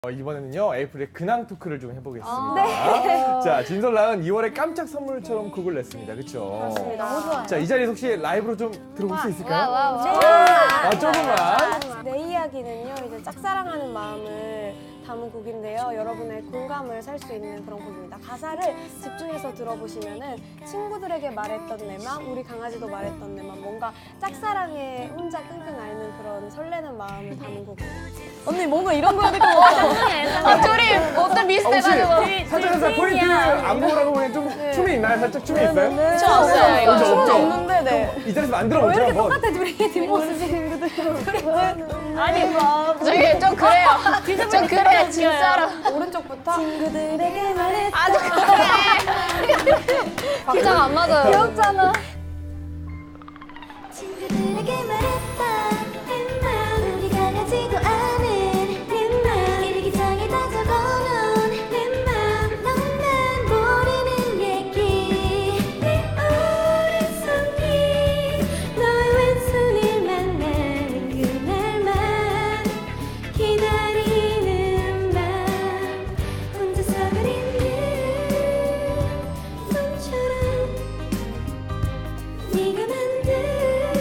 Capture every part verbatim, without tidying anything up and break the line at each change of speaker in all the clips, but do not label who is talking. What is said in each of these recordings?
어, 이번에는요 에이프릴의 근황 토크를 좀 해보겠습니다.
아,
네. 자, 진솔랑은 이월에 깜짝 선물처럼 곡을 냈습니다. 그렇죠?
맞습니다. 너무 좋아요.
자, 이 자리에서 혹시 라이브로 좀 들어볼 수 있을까요?
와, 와, 와.
아, 조금만.
내 이야기는요, 이제 짝사랑하는 마음을 담은 곡인데요. 여러분의 공감을 살 수 있는 그런 곡입니다. 가사를 집중해서 들어보시면은 친구들에게 말했던 내 맘, 우리 강아지도 말했던 내 맘, 뭔가 짝사랑에 혼자 끙끙 앓는 그런 설레는 마음을 담은 곡입니다.
언니 뭔가 이런 거 해야 될 것 같아. 아, 둘이 어떤
어, 혹시
비슷해가지고.
살짝 살짝 포인트 안무라고 보니 좀 춤이 있나요? 살짝 춤이 있어요?
네.
춤 없어요, 이거.
없죠,
춤은
없죠?
없는데, 네.
이 자리에서 만들어 보죠. 한번.
똑같아, 둘이 뒷모습이.
아니, 뭐. 저기 좀 그래요. 좀 그래요, 진짜로.
오른쪽부터. 친구들에게 말했던
아주 그래. 박자가 안 맞아요.
귀엽잖아.
친구들에게 말했다 내 맘 우리 강아지도 아는 내 맘 일기장에 다 적어놓은 내 맘 너만 모르는 얘기 내 오랜 손이 너의 왼손을 만나는 그날만 기다리는 밤 혼자서 그리는 꿈처럼 네가 만든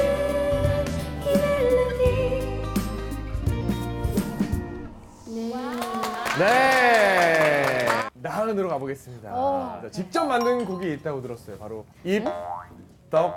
네. 나은으로 가보겠습니다. 자, 직접 만든 곡이 있다고 들었어요. 바로 입, 떡,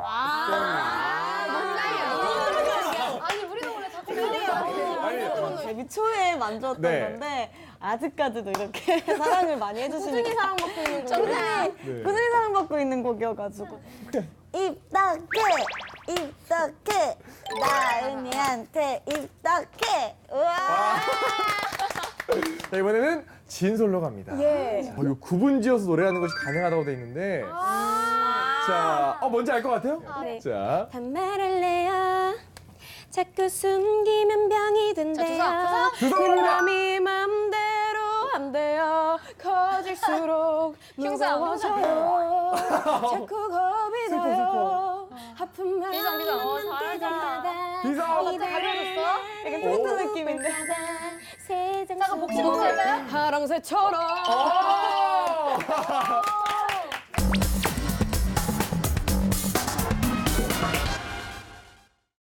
아니, 우리도 원래 자꾸
데뷔 초에 만들었던
네.
건데 아직까지도 이렇게 사랑을 많이 해주시니까 꾸준히 사랑받고 있는 곡
네.
꾸준히 사랑받고 있는 곡이어가지고 입덕해 입덕해 나은이한테 입덕해 우와
자, 이번에는 진솔로 갑니다.
예.
어, 이거 구분 지어서 노래하는 것이 가능하다고 돼 있는데. 자, 어, 뭔지 알 것 같아요?
네.
자,
반말할래요. 자꾸 숨기면 병이 된대요.
주사,
주사
내
올라가.
맘이 맘대로 안 돼요. 커질수록
흉사,
무거워져요. 자꾸 겁이
슬퍼,
나요. 아픈 마음은
비상, 비상. 어,
함께
잘한다.
갈까봐.
비상.
이대로
가려줬어?
약간
오.
트로트 느낌인데
세상
잠깐 목소리 한번 할까요?
하랑새처럼
오!